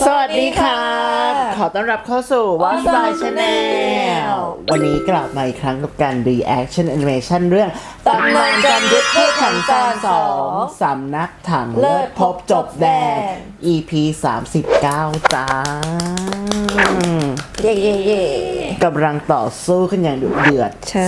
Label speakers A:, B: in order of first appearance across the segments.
A: สวัสดีครับขอต้อนรับเข้าสู่ Watch by Channel วันนี้กลับมาอีกครั้งกับการ Reaction Animation เรื่องตำนานจอมยุทธพูดถังซาน2สำนักถังเลิศพบจบแดน EP 39 จ้า
B: เย่เย่เย่
A: กำลังต่อสู้ขึ้นอย่างดุเดือด
B: ใช่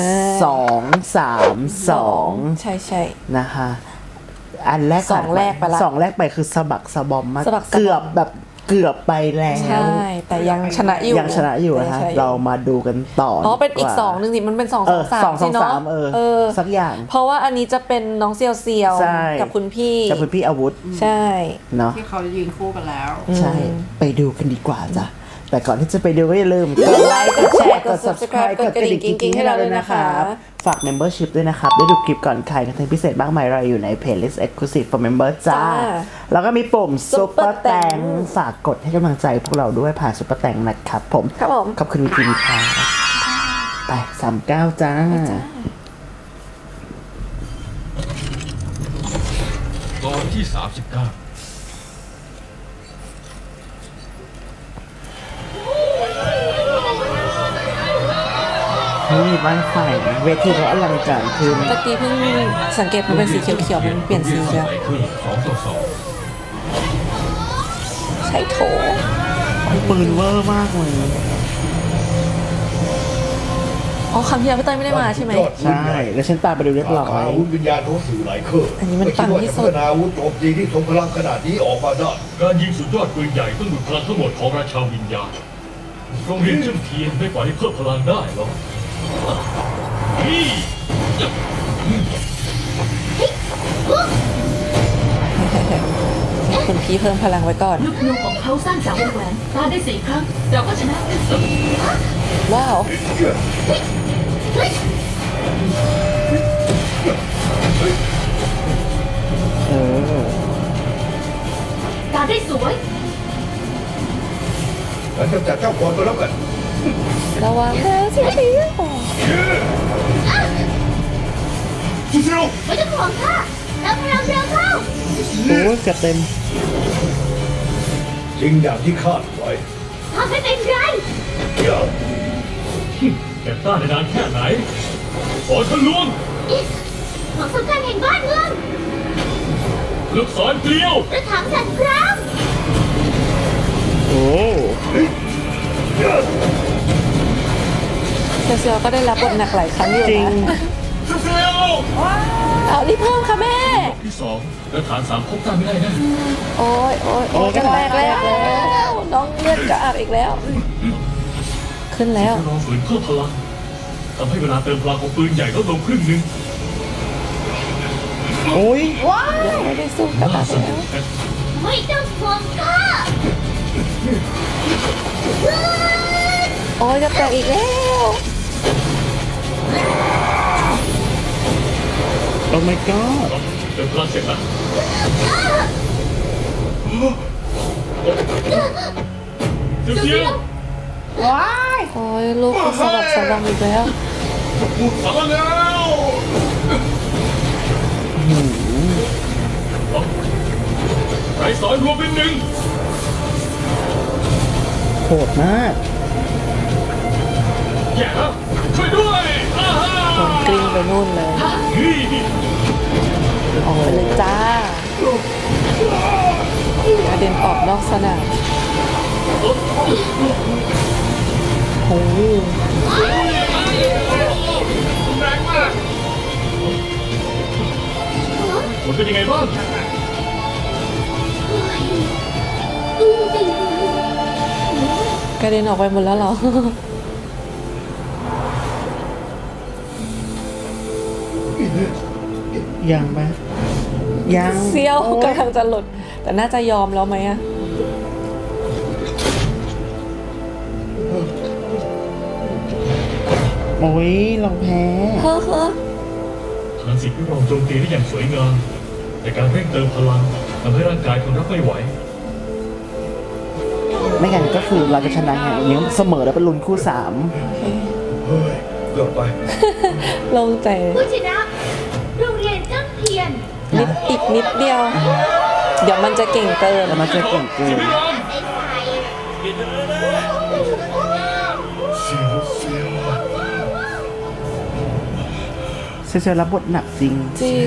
A: 2-3-2
B: ใช่ใช่
A: นะคะอันแรก
B: สองแรกไปละ
A: สองแรกไปคือสะบักสะบอมมาก
B: สะบักสะบอม
A: เกือบไปแล้ว
B: ใช่แต่ยังชนะอยู่
A: ยังชนะอยู่นะฮะ
B: ใช่
A: เรามาดูกันต่อ
B: อ๋อเป็นอีก
A: ดีว่า
B: สองหนึ่งสิมันเป็น2
A: สอง
B: 2 3สิเนาะ
A: 3สักอย่าง
B: เพราะว่าอันนี้จะเป็นน้องเซียวเซียว
A: ใช่
B: กับคุณพี่
A: กับคุณพี่อาวุธ
B: ใช่
A: เนาะ
C: ที่เขายืนคู่กันแล้ว
A: ใช่ไปดูกันดีกว่าจ้ะแต่ก่อนที่จะไปดูก็อย่าลืม
B: กดไลค์กดแชร์กด subscribe กดกระดิ่งกิ๊งๆให้เราด้วยนะคะ
A: ฝาก membership ด้วยนะครับ ได้ดูคลิปก่อนใครคอนเทนต์พิเศษมากมายรออยู่ใน playlist exclusive for member จ้า
B: จ้า
A: แล้วก็มีปุ่ม super
B: Super
A: แตง
B: Thank
A: ฝากกดให้กำลังใจพวกเราด้วยผ่าน super แตงนะครับผม
B: ครับผม
A: ขอบคุณคุณค่ะไป39 จ้า
D: ตอนที่ 39
A: นี่บ้านไฟเวทีเขาอลังการขึ้น
B: ตะกี้เพิ่งสังเกตมันเป็นสีเขียวๆมันเปลี่ยนสีแล้ว
D: ขึ้น2-2
B: ใช้โถ
A: ปืนเวอร์มากเลย
B: อ๋อคำที่แล้วพี่เต้ยไม่ได้มาใช่ไหม
A: ใช่ แล้วฉันตามไปดูเรียบร้อย
E: อาวุธวิญญาณของสื่อหลายเครื่อง
B: อันนี้มันปังที่สุด
E: ไม่คิว่าจะพัฒนาอาวุธโจมตีที่ทรงพลังขนาดนี้ออกมาได้
D: การยิงสุดยอดปืนใหญ่ต้องดูดพลังทั้งหมดของราชาวิญญาณโรงเรียนเจิ้มเทียนไม่ปล่อยให้เพิ่มพลังได้หรอกนี่
B: คุณพี่เพิ่มพลังไว้ก่อน
F: ลูกนูของเขาสร้างจากวงแหวนปาได้4 ครั้งเราก็ชนะ
B: ว้าว
A: เออ
F: ปาได้สวย
E: ฉันจะจัดเจ้าก่อนก็แล้วกัน
B: ระวังนะเสียที
E: ซูซิโร่
F: ไม่ต้องห่วงค่ะเราพลังเร็วเข้า
A: โอ้ยจะเต็ม
E: จริงอย่างที่คาดไว้
F: ทำให้เป็นไร
E: อย่า
D: แกต้านได้นานแค่ไหนขอทะลวง
F: ของสำคัญแห่งบ้านเมือง
D: ลูกศรเกลียว
F: กระถางสันคราม
A: โอ้
B: เซียวๆก็ได้รับบทหนักหลายครั้งอยู่
A: จริง
B: นะ
D: ซูเฟล
B: เอารีบเพิ่มค่ะแม่
D: ที่2แล้วฐาน3พบต้านไม่ได้นะ
B: โอ้ยโอ้ยโอ้ย
A: โอ้ย
B: กันแรกแล้วน้องเลือดกระอักอีกแล้ว ขึ้นแล้ว
D: จะลองฝืนเพิ่มพลังทำให้เวลาเติมพลังของปืนใหญ่ลดลงครึ่งหนึ่ง
A: โอ้ย
B: ยังไม่ได้สู้กระ
D: น่า
B: อัก
D: ส
B: แล้
D: นุ
B: ว
D: กแฮะ
F: ไม่ต้องห่วงค่ะ
B: โอ้ยจะแตกอีกแล้ว
A: โอ้ my god
D: เติมพลังเสร็จแล้วเสียว
B: โอ้ยลูกก็สะบักสะบอมอีกแล้ว
D: สามแล้วไรสอนรวมเป็นหนึ่ง
A: โหดมาก
D: แย่แล้วช่วยด้วยอ้าฮ่า
B: โดนกลิ้งไปนู่นเลย
D: นี่
B: ออกไปเลยจ้ากระเด็นออกนอกสนามโอ้ย
D: แรงมากผลเป็นยังไงบ้าง
B: กระเด็นออกไปหมดแล้วเหรอ
A: ยังไหมยัง
B: เซียวกำลังจะหลุด แต่น่าจะยอมแล้วไหมอะ
A: โอ้ยเราแพ้
B: เฮ้อเฮ้อ
D: ฐานสิทธิ์พิรองโจมตีได้อย่างสวยงาม แต่การเร่งเติมพลังทำให้ร่างกายทนรับไม่ไหว
A: ไม่งั้นก็คือเราจะชนะไงยังเสมอแล้วเป็นลุ้นคู่
E: เฮ้ยเกือบไป
B: โลงใจ
F: ผู้ชนะโรงเรียนเจ้าเทียน
B: อีกนิดเดียว เดี๋ยวมันจะเก่งเกิน
A: 3แล้วมันจะเก่งเกิน
F: ไอ้สาย
A: เซลรับบทหนักจริง
B: จริง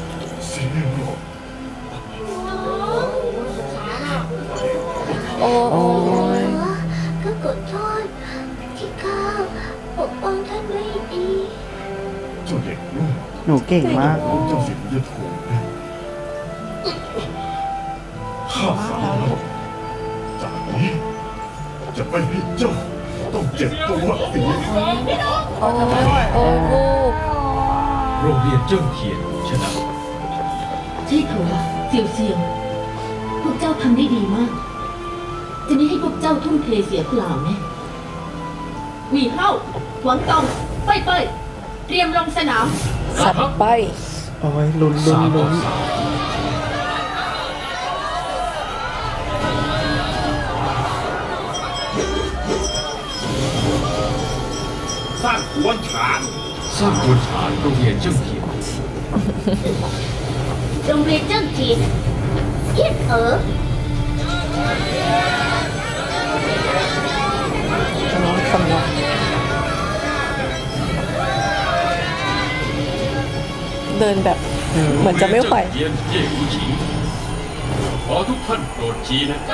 B: โอ้
A: โอ้ย
C: ก็ขอโทษที่ข้าปกป้องท่านไม่ดี
E: เจ้าเด็กลูก
A: หนูเก่งมาก
E: เจ้าสิทธิ์จะถูกนะข้าสั่งแล้วจากนี้จะไม่ให้เจ้าต้องเจ็บตัวอีก
B: โอ้โอ้ลูก
D: โรงเรียนเจิ้งเทียนชนะ
F: ใช่เขาว่าเสี่ยวเสี่ยวพวกเจ้าทำได้ดีมาก จะไม่ให้พวกเจ้าทุ่มเทเสียเปล่าแน่หวีเฮ้าหวังตองไปไปเตรียมลงสนาม
B: สับไป
A: โอ้ยลุ้นลุ้น
D: 3 ต่
A: ลุ้
D: อน 3
E: สร้างกวนฉาง
D: สร้างกวนฐานโรงเรียนเจิ้งเทียน
C: โรงเรียนเจ้าจีนเอียด
B: น้องคำนวณเดินแบบเหมือนจะไม่ไหว
D: เยี่ยนเย่หูฉิงขอทุกท่านโปรดชี้นะ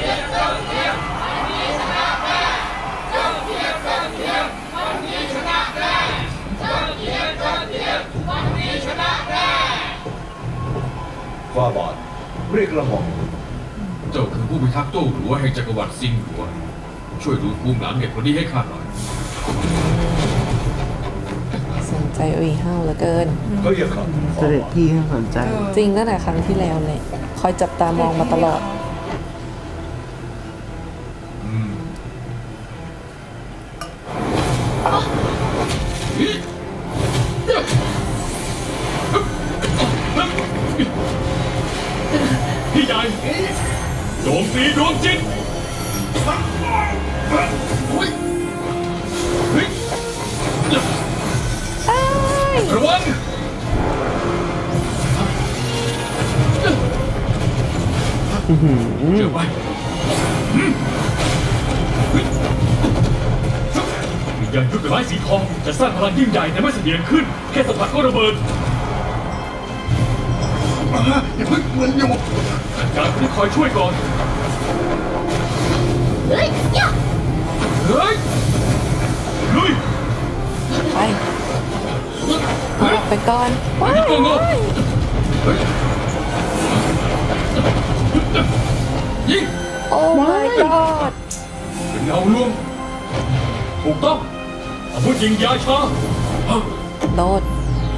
E: ฟ้าบาทเรียกระหม่อม
D: เจ้าคือผู้พิทักษ์โต้หลัวแห่งจักรวรรดิซิงหลัว ช่วยดูภูมิหลังเด็กคนนี้ให้ข้าหน่อย
B: สนใจอุยห้าวเหลือเกิน
E: ก็อย่าขัด
A: เสด็จพี่ให้สนใจ
B: จริงตั้งแต่ครั้งที่แล้วเลยคอยจับตามองมาตลอด
D: พี่ใหญ่โจมตีดวงจิตระวังเจอไปวิญญาณยุทธไม้สีทองจะสร้างพลังยิ่งใหญ่แต่ไม่เสถียรขึ้น แค่สัมผัสก็ระเบิด
E: อย่าเพิ่งเหมือนอยู่
D: การที่คอยช่วยก่อน
C: เฮ้ยย่า
D: เฮ้ยลุย
B: ไปออกไปก่อนว้า
D: ยิงโงงเฮ้ยยิง
B: โอ้ my god
D: เป็นเงาลวงถูกต้องอาวุธยิงยาชา
B: โดด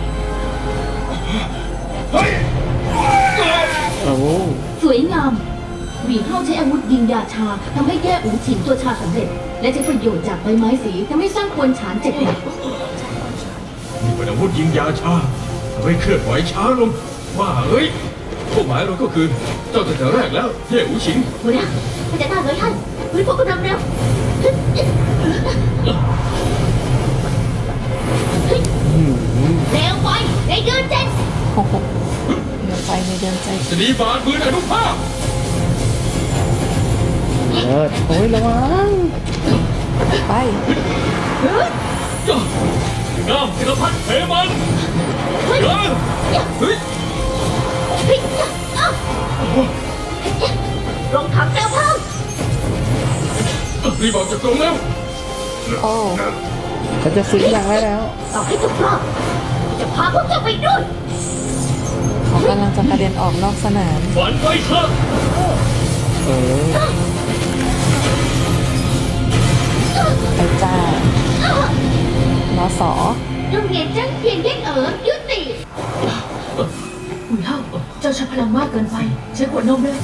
E: เฮ้ย
A: โอ้
F: สวยงามหวีเฮ้าใช้อาวุธยิงยาชาทำให้แย่อูฉินตัวชาสำเร็จ และใช้ประโยชน์จากใบไม้สีทำให้สร้างควนฉานเจ็บหนัก
D: นี่เป็นอาวุธยิงยาชาทำให้เคลื่อนไหวช้าลงว่าเฮ้ยเป้าหมายเราก็คือเจ้าตั้งแต่แรกแล้วเย่อูฉิง
C: หัวหน้าพระเจ้าต้านไว้ท่านพื้นพวกกำลังเร็ว เร็วไปในเดือนเจ็ด
B: โอ้โหเดี๋ยวไปในเดือนใจ
D: จะดีบาดมืออนุภาพ
A: เลิศโอ้ยระวัง
B: ไป
D: งามศิลพัฒน์เทมันเฮ้ยเฮ้ย
C: ลงถังเร็วเข้า
D: รีบออกจากตรงแล้ว
B: โอ้
A: เขาจะฟื้นยังได้แล้ว
C: ต่อให้ทุกรอบจะพาพวกเจ้าไปด้วย
B: เขากำลังจะกระเด็นออกนอกสนาม
D: ฝันไปเถอะ
A: เออ
B: ไปจ้า นสอ
C: โรงเรียนจังเพียงเย็นยุติ
F: หวีเฮ้าเจ้าใช้พลังมากเกินไป ใช้ขวดนมเลย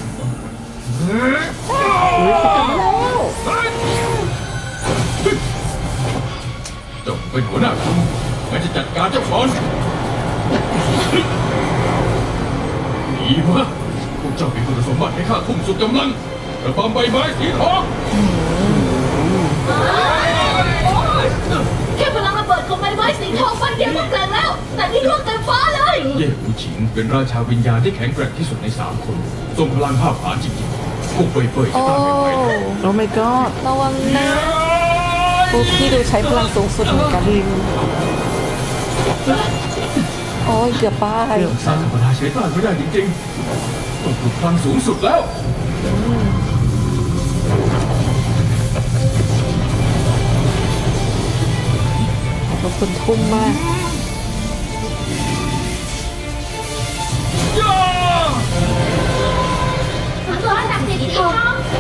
D: เจ้าเป็นหัวหน้าทีมงั้นจะจัดการเจ้าก่อนดีมากพวกเจ้ามีคุณสมบัติให้ข้าทุ่มสุดกำลังระบำใบไม้สีทอง
F: แค่พลังระเบิดของใบไม้สีทองฟันเดียวก็แกร่งแล้ว แต่นี่ล่วงเกินฟ้าเลย
D: เย่หูฉิงเป็นราชาวิญญาณที่แข็งแกร่งที่สุดใน3 คนทรงพลังภาพผานจริงๆพวกเป่ยๆจะ
B: โอ้
D: ต้านไม่ไหว
A: โอ้ my god
B: ระวังนะปุ๊กพี่ดูใช้พลังสูงสุดเหมือนกัน
A: จริง
B: โอ้ยเกือบป้าย
D: เรื่องสร้างธรรมดาใช้ต้านไม่ได้จริงๆต้องปลุกพลังสูงสุดแล้ว
B: ขอบคุณทุ่มมาก
C: ตัวศักดิ์สิทธิ์สีทอง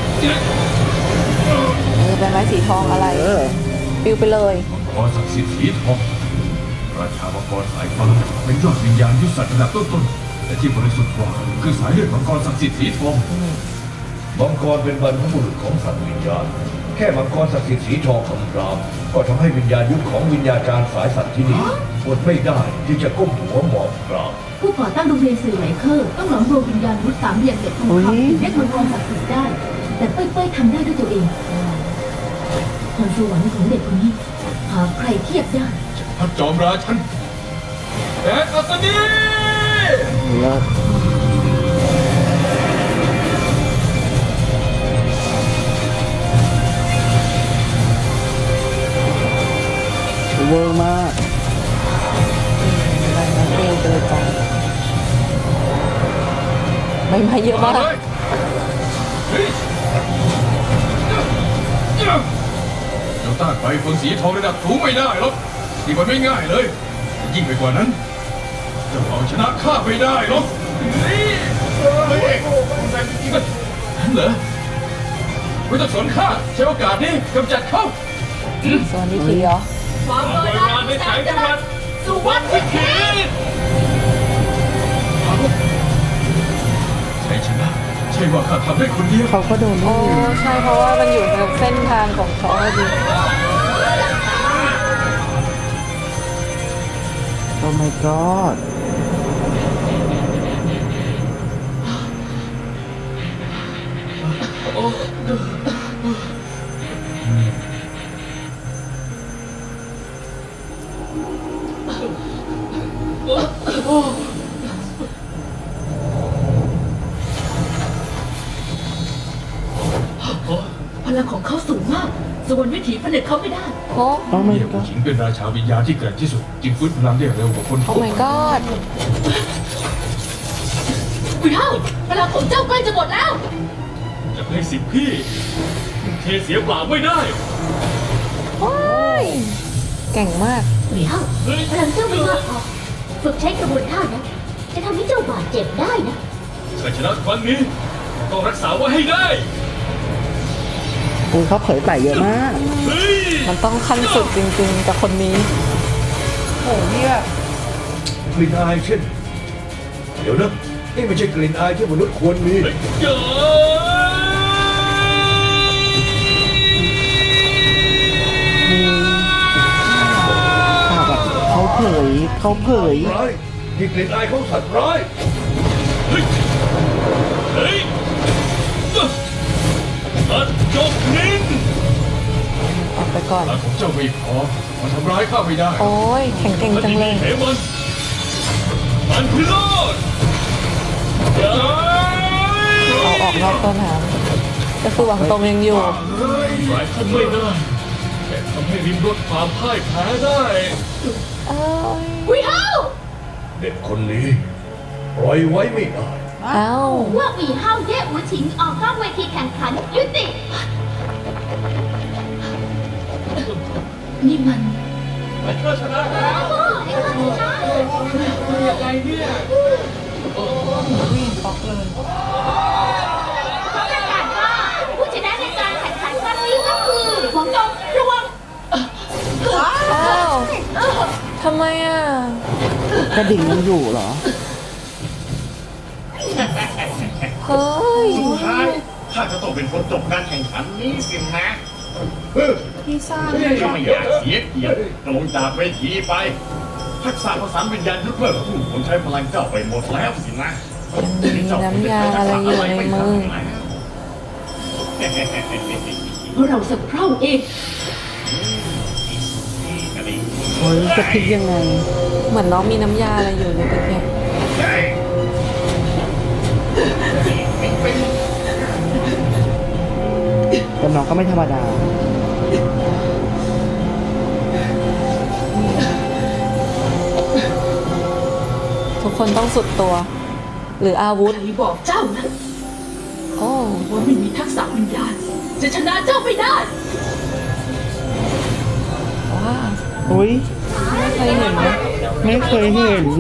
B: เป็นไม้สีทองอะไร ปิวไปเลย
E: มังกรศักดิ์สิทธิ์สีทองราชามังกรสายฟ้าเป็นยอดวิญญาณยุทธศาสตร์ระดับต้นๆแต่ที่บริสุทธิ์กว่าคือสายเลือดมังกรศักดิ์สิทธิ์สีทองมังกรเป็นบรรพบุรุษของสัตว์วิญญาณแค่มังกรศักดิ์สิทธิ์สีทองคำรามก็ทำให้วิญญาณยุทธของวิญญาจารย์สายสัตว์ที่นี่อดไม่ได้ที่จะก้มหัวหมอบกราบ
F: ผู้ก่อตั้งโรงเรียนสื่อไหลเคอร์ต้องหลอมรวมวิญญาณวุฒิสามเหลี่ยมเด็กทองคำถึงเรียกมังกรศักดิ์สิทธิ์ได้ แต่เป้ยๆทำได้ด้วยตัวเองพรสวรรค์ของเด็กคนนี้หาใครเทียบได้
D: พระจอมราชันแอนอัศนี
A: เลิศเวอร์มาก
B: ปิวไปเลยจ้ะใบไม้เยอะมาก
D: เลยเฮ้ยเจ้าต้านไฟเฟิงสีทองระดับสูงไม่ได้หรอกนี่มันไม่ง่ายเลย ยิ่งไปกว่านั้นเจ้าเอาชนะข้าไม่ได้หรอกนี่เฮ้ยเหรอไม่ต้องสนข้าใช้โอกาสนี้กำจัดเขา
B: ส่วนนี้ทีเหรอ
D: ความโบราณในสายจังหวัดสุวรรณวิถีใช่ชนะใช่ว่าข้าทำได้คนเดียว
A: เขาก็โดน
B: โอ้ใช่เพราะว่ามันอยู่ในเส้นทางของเขาพอดี
A: โอ้ my god
F: พลังของเขาสูงมากสวรรค์วิถีผนึกเขาไม่ได้
B: โอ้
A: โอ้ my
D: เมียผู้
A: god
D: หญิงเป็นราชาวิญญาณที่แกร่งที่สุดจึงฟื้นพลังได้เร็วกว่าคน
B: โอ้
D: ทั่ว
B: my
D: ไป
B: god
F: วิเท่าพลังของเจ้าใกล้จะหมดแล้ว
D: จะให้สิบพี่เทเสียเปล่าไม่ได้
B: ว้ายเก่งมาก
C: วิเท่าพลังเจ้าไม่มากพอฝึกใช้กระบวนท่านั้นจะทำให้เจ้าบาดเจ็บได้นะ
D: ชัยชนะครั้งนี้ต้องรักษาไว้ให้ได้
A: อุ้ยเขาเผยไต่เยอะมาก
D: เฮ้ย
B: มันต้องขั้นสุดจริงๆกับคนนี้ โอ้นี่แบบ
E: กลิ่นอายเช่น เดี๋ยวนะนี่ไม่ใช่กลิ่นอายที่มนุษย์ควรมี
D: เจ้า
A: ข่าวแบบเขาเผย
E: ร้ายนี่กลิ่นอายของสัตว์ร้าย
D: เฮ้ยเฮ้ยตัดจบนิ้น
B: ออกไปก่อน
D: พลังของเจ้าไม่พอมันทำร้ายข้าไม่ได้
B: โอ้ยแข็งเก่งจังเลย
D: เหมันมันพิโรธ
B: เอาออกนอกต้นหางก็คือหวังตรงยังอยู่
D: หลายท่านไม่ได้แต่ทำให้ริมรถความพ่ายแพ้ได้
B: เอ้ย
F: วิเท่า
E: เด็กคนนี้ปล่อยไว้ไม่ได้
B: เอ้า
C: ว่าวีเฮาเย่อูฉิงออกนอกเวทีแข่งขันยุติ
F: นี่มัน
D: ก็ชนะแล้ว
C: ประกาศว่าผู้ชนะในการแข่งขันครั้งนี้ก็คือหวังจงระวัง
B: อ้าวทำไมอ่ะ
A: กระดิ่งยังอยู่เหรอ
B: เฮ้ย
G: สุดท้ายข้าจะต้องเป็นคนจบการแข่งขันนี้สินะถ้าไม่อยากเสียเกียรติก็ลงจากเวทีไป ทักษะประสานวิญญาณยุทธเมื่อคู่ผมใช้พลังเจ้าไปหมดแล้วสินะ
B: มีน้ำยาอะไรอยู่ในมือ
F: เพราะเราสักเพร่าเอง
A: โอ้ยจะพลิกยังไง
B: เหมือนน้องมีน้ำยาอะไรอยู่ในตะเกียบ
A: แต่น้องก็ไม่ธรรมดา
B: ทุกคนต้องสุดตัว หรืออาวุธ
F: ใครบอกเจ้านะ
B: โอ้
F: ว่าไม่มีทักษะวิญญาณจะชนะเจ้าไม่ได้
B: ว้า
A: อุ้ย
B: ไม่เคยเห็นนะ
A: ไม่เคยเห็น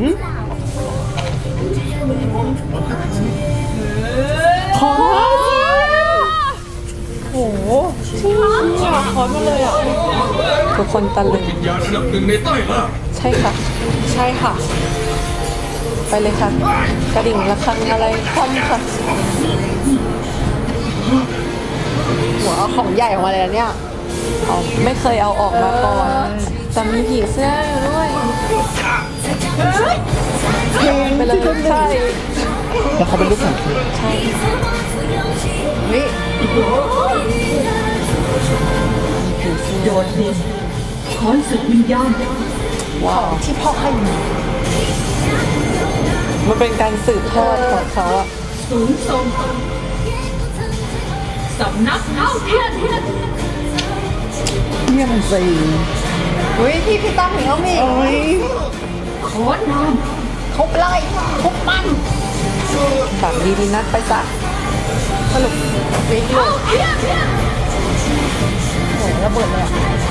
A: ขอ
B: โอ้โหที่คอนมาเลยอ่ะทุกคนตะลึง
D: วิญญาณอันดับหนึ่งในใต้ล่า
B: ใช่ค่ะ ใช่ค่ะ ไปเลยค่ะ กระดิ่งระฆังอะไรคว่ำค่ะ
H: หัวเอาของใหญ่ออกมาเลยนะเนี่ย
B: เอาไม่เคยเอาออกมาก่อนแต่มีผีเสื้ออยู่ด้วยไปเลยใช่
A: แล้วเขาเป็นลูกสังเกต
B: ใช่
H: นี่
F: โดดเด่นขอนศึกวิญญาณ
B: ว้าว
H: ที่พ่อให้มา
B: มันเป็นการสืบทอดของเขาอะ
F: สูงส่งสำนักเท้าเทียน
A: เยี่ยมจริง
H: อุ้ยพี่ตั้มเห็นแล้วมี
A: โอ้ย
F: ขอนนาม
H: ทุบเลยทุบมัน
B: แบบดีๆนัดไปสัก
H: สรุปวิกเลยโอ้ยระเบิดเลยอะ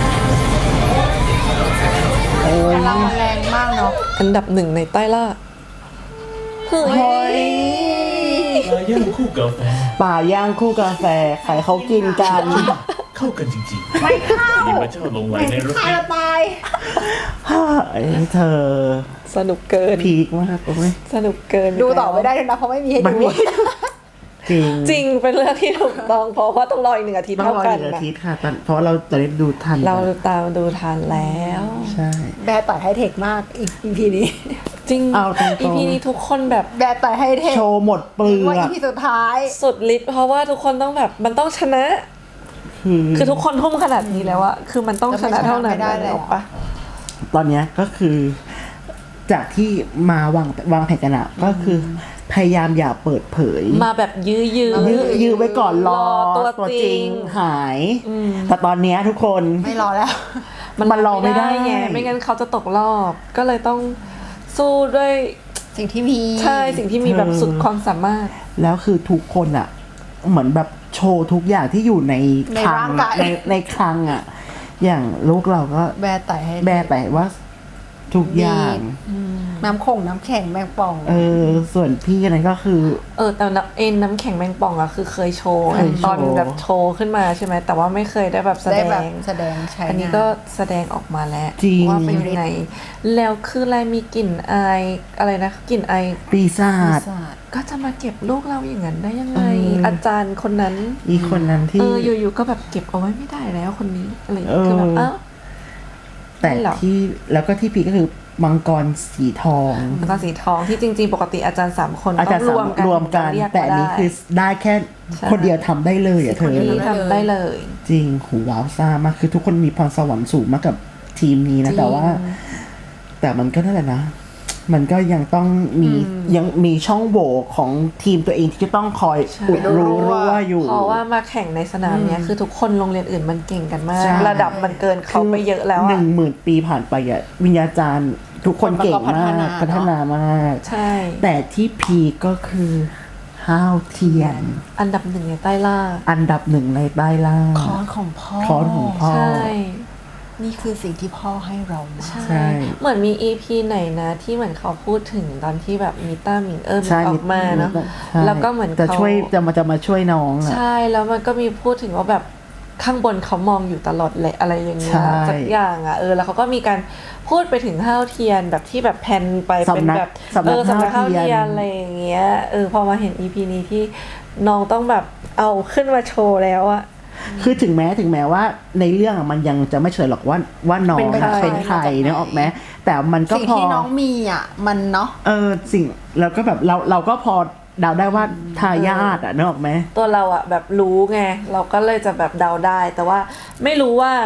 A: โอ้ย
H: พลังมันแรงมากเนาะ
B: อันดับหนึ่งในใต้ล่าเฮ้ย
E: ปลาย่างคู่กาแฟ
A: ป่าย่างคู่กาแฟใครเขากินกัน
E: เข้ากันจริงๆ
H: ไม่เข้า
E: นี่มาเจ้าลงไหลในรถ
H: ใคร
E: นี้
H: จะตาย
A: ไอ้เธอ
B: สนุกเกิน
A: พีคมากโอ้ย
B: สนุกเกิน
H: ดูต่อไม่ได้เลยนะเพราะไม่มีให้
A: มัน
H: ดู
A: มีจริง
B: จริงเป็นเรื่องที่ถูกต้องเพราะว่าต้องรออีก1 อาทิตย์
A: ต้อง
B: เท่าร
A: อ
B: กัน
A: อีกอา
B: นะ
A: ทิตย์ค่ะเพราะเราจะได้ดูทัน
B: เราตามดูทันแล้ว
A: ใช่
H: แบร์ต่อยไฮเทคมากอีพีนี้
B: จริง
A: เอาตรงๆ
B: อีพีนี้ทุกคนแบบ
H: แบร์ต่อยไฮเทค
A: โชว์หมดเปลือ
H: ว่าอี
A: ก
H: พีสุดท้าย
B: สุดฤทธิ์เพราะว่าทุกคนต้องแบบมันต้องชนะ คือทุกคนทุ่มขนาดนี้แล้วอะคือมันต้องชนะเท่านั้น
H: ไม่ได้เลย
B: ออกปะ
A: ตอนเนี้ยก็คือ จากที่มาวางแผนกันอะก็คือพยายามอย่าเปิดเผย
B: มาแบบยื้อ
A: ยื้อไว้ก่อนรอ
B: ตัวจริง
A: หาย แต่ตอนเนี้ยทุกคน
H: ไม่รอแล้ว
A: มันรอไม่ได้
B: ไงไม่งั้นเขาจะตกรอบ ก็เลยต้องสู้ด้วย
H: สิ่งที่มี
B: ใช่สิ่งที่มีแบบสุดความสามารถ
A: แล้วคือทุกคนอะเหมือนแบบโชว์ทุกอย่างที่อยู่ใน
H: ใน
A: คลั
H: ร่างกาย
A: ในคลังอะอย่างลูกเราก็
H: แบร์ต่อยไฮเทค
A: แบร์แต่ว่าทุกอย่าง
H: น้ำคงน้ำแข็งแมงป่อง
A: ส่วนพี่นั้นก็คือ
B: แต่น้ำแข็งแมงป่องอะคือเคยโชว์
A: เคยโชว์
B: ตอนแบบโชว์ขึ้นมาใช่ไหมแต่ว่าไม่เคยได้แบบแส
H: ได้
B: ด
H: แบบ
B: ง
H: แสดงใช้
B: อันนี้
H: งา
B: ก็แสดงออกมาแล้ว
A: จริง
B: ว่าเป็นยังไง แล้วคืออะไรมีกลิ่นอายอะไรนะกลิ่นอาย
A: ปีศาจ
H: ศาสตร์
B: ก็จะมาเก็บลูกเราอย่างนั้นได้ยังไง
A: เอออ
B: อาจารย์คนนั้น
A: อีกคนนั้นที่
B: อยู่ๆก็แบบเก็บเอาไว้ไม่ได้แล้วคนนี้อะไรอย่าง
A: เอ
B: เงี้ย
A: อ
B: คือแบบอ้าว
A: แต่
B: นั่นเหรอ
A: ที่แล้วก็ที่พีคก็คือมังกรสีทอง
B: แล้วก็สีทองที่จริง ๆ ปกติอาจารย์3 คน
A: อาจ
B: ต้
A: จะ
B: องรวมกัน
A: รวมกัน
B: เรีย
A: แต่อันนี้
B: มา
A: คือได้แค่
B: ใช่
A: คนเดียวทำได้เลยอ่ะเธอ
B: ที่ทำได้เลย
A: จริงหูว้าวซ่ามากคือทุกคนมีพรสวรรค์สูงมากกับทีมนี้นะ
B: จริง
A: แต่ว่า แต่มันก็นั่นแหละนะ มันก็ยังต้องมียังมีช่องโหว่ของทีมตัวเองที่จะต้องคอยอุดรู้ว่าอยู่
B: เพราะว่ามาแข่งในสนามเนี้ยคือทุกคนโรงเรียนอื่นมันเก่งกันมาก
A: ใช่
B: ระดับมันเกินเขาไปเยอะแล้ว
A: ห
B: อะ
A: 10,000 ปีผ่านไปอ่ะวิญญาจารย์ทุกคนเก่งมากพัฒนามาก
B: ใช่
A: แต่ที่พีคก็คือห้าวเทียน
B: อันดับหนึ่งในใต้ล่า
A: อันดับหนึ่งในใต้ล่าง
H: คอนของพ่อ
A: คอนของพ่อ
B: ใช่
H: นี่คือสิ่งที่พ่อให้เรามา
B: ใช่
A: ใช่
B: เหมือนมี EP ไหนนะที่เหมือนเขาพูดถึงตอนที่แบบมีต้าหมิง
A: ใช่
B: ออกมาเนาะ
A: ใช่
B: แล้วก็เหมือน
A: จะ
B: เขา
A: ช่วยจะมาช่วยน้องอ่ะ
B: ใช่แล้วมันก็มีพูดถึงว่าแบบข้างบนเขามองอยู่ตลอดเลยอะไรอย่างเงี้ย
A: ใช่
B: สักอย่างอ่ะแล้วเขาก็มีการพูดไปถึงห้าวเทียนแบบที่แบบแพนไปเป็นแบบ
A: สำนัก
B: สำนักห้าว
A: ห้าวเที
B: เที
A: ย
B: ย
A: น
B: นอะไรอย่างเงี้ยพอมาเห็น EP นี้ที่น้องต้องแบบเอาขึ้นมาโชว์แล้วอะ
A: คือถึงแม้ว่าในเรื่องอะมันยังจะไม่เฉลยหรอกว่าน้อง
H: เป็นใคร
A: เป็นใครเนี่ยออกไหมแต่มันก็
H: สิ่ง
A: พอ
H: ที่น้องมีอ่ะ มันเนาะ
A: สิ่งแล้วก็แบบเราก็พอเดาได้ว่าทายาทอ่ะนึกออกไหม
B: ตัวเราอะแบบรู้ไงเราก็เลยจะแบบเดาได้ แต่ว่าไม่รู้ว่า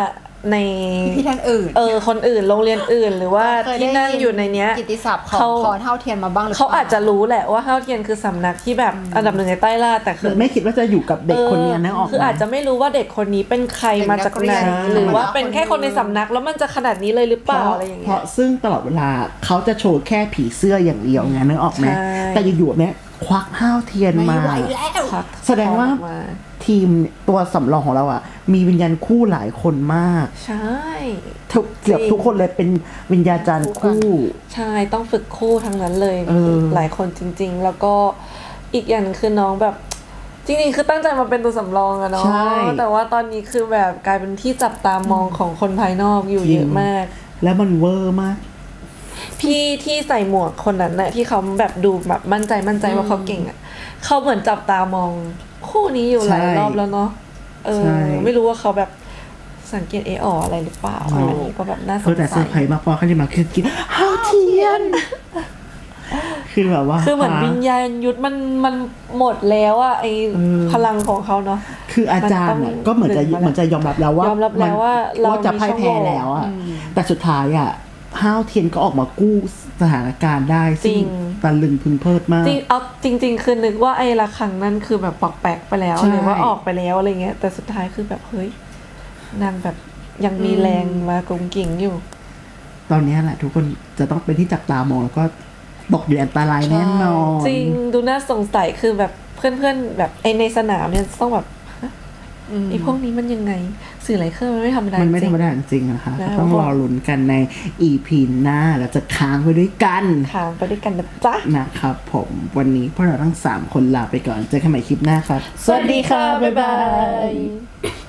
B: ใน
H: ที่ท่านอื่น
B: คนอื่นโรงเรียนอื่น หรือว่า
H: เคย
B: ที่
H: ได้
B: นั่งอยู่ในเนี้ย
H: กิตติศัพท์ของคอเท่าเทียนมาบ้างหรือเปล่า
B: เขาอาจจะรู้แหละว่าเฮาเทียนคือสำนักที่แบบอันดับหนึ่งในใต้ล่าแต่คือ
A: ไม่คิดว่าจะอยู่กับเด็กคนนี้นะออก
B: คืออาจจะไม่รู้ว่าเด็กคนนี้เป็นใครมาจากไหน
H: เป็นนักเรียน
B: หรือว่าเป็นแค่คนในสำนักแล้วมันจะขนาดนี้เลยหรือเปล่าอะไรอย่าง
A: เพ
B: เงี้ย
A: ราะซึ่งตลอดเวลาเขาจะโชว์แค่ผีเสื้ออย่างเดียวไงนึกออกไหม
B: ใช่
A: แต่อยู่ๆเนี่ยควักห้าวเทียน
H: ไม่
A: มา
H: ไหวแล้ว
B: ครับ
A: แสดงว่า
B: ออกมา
A: ทีมตัวสำรองของเราอ่ะ มีวิญญาณคู่หลายคนมาก
B: ใช่
A: เกือบทุกคนเลยเป็นวิญญาจารย์คู่
B: ใช่ต้องฝึกคู่ทั้งนั้นเลย หลายคนจริง ๆ แล้วก็อีกอย่างคือน้องแบบจริงๆคือตั้งใจมาเป็นตัวสำรองอะเนาะ
A: ใช่
B: แต่ว่าตอนนี้คือแบบกลายเป็นที่จับตามองของคนภายนอกอยู่เยอะมาก
A: แล้วมันเวอร์มาก
B: พี่ที่ใส่หมวกคนนั้นนะที่เขาแบบดูแบบมั่นใจว่าเขาเก่งอะเขาเหมือนจับตามองคู่นี้อยู่หลาย
A: ใช่
B: รอบแล้วเนาะ
A: ใช่
B: ไม่รู้ว่าเขาแบบสังเกตอะไรหรือเปล่าอันนี้ก็แบบน่าสง
A: แต่เซอ
B: สั
A: ร์ไพร
B: ย
A: ส์มากพอเขาจะมาคือกินห้าวเทียน คือแบบว่า
B: คือเหมือนวิญญาณยุทธมันหมดแล้วอะไอพลังของเขาเนาะ
A: คืออาจารย์อะก็เหมือนจะ
B: ดึงมาแล้ว
A: เหมือนจะยอมรับแล้วว่าย
B: อมรับแล้วว่าเรา
A: จะพ่ายแพ้แล้วอะแต่สุดท้ายอะห้าวเทียนก็ออกมากู้สถานการณ์ได้ซึ่งตะลึงพึงเพริดมาก
B: จริง คือนึกว่าไอ้ระฆังนั่นคือแบบปอกแปลกไปแล้ว
A: ใช่
B: หรือว่าออกไปแล้วอะไรเงี้ยแต่สุดท้ายคือแบบเฮ้ยนางแบบยังมีแรงมากงกิ่งอยู่
A: ตอนนี้แหละทุกคนจะต้องเป็นที่จับตามองแล้วก็ตกอยู่ในอันตรายแน่นอน
B: จริงดูน่าสงสัยคือแบบเพื่อนๆแบบไอในสนามเนี่ยต้องแบบฮะไอพวกนี้มันยังไงสื่อไหลเครื่องมันไม่ธรรมดา
A: มันไม่
B: จ
A: ธ
B: ริ
A: รง รมดาจริงๆนะคะ
B: นะ
A: ก็ต้องรอลุ้นกันใน EP หน้าเราจะค้างไปด้วยกัน
B: ทางไปด้วยกันนะจ๊ะ
A: นะครับผมวันนี้พวกเราทั้ง 3 คนลาไปก่อนเจอกันใหม่คลิปหน้าครับ
B: สวัสดีค่ะบ๊ายบาย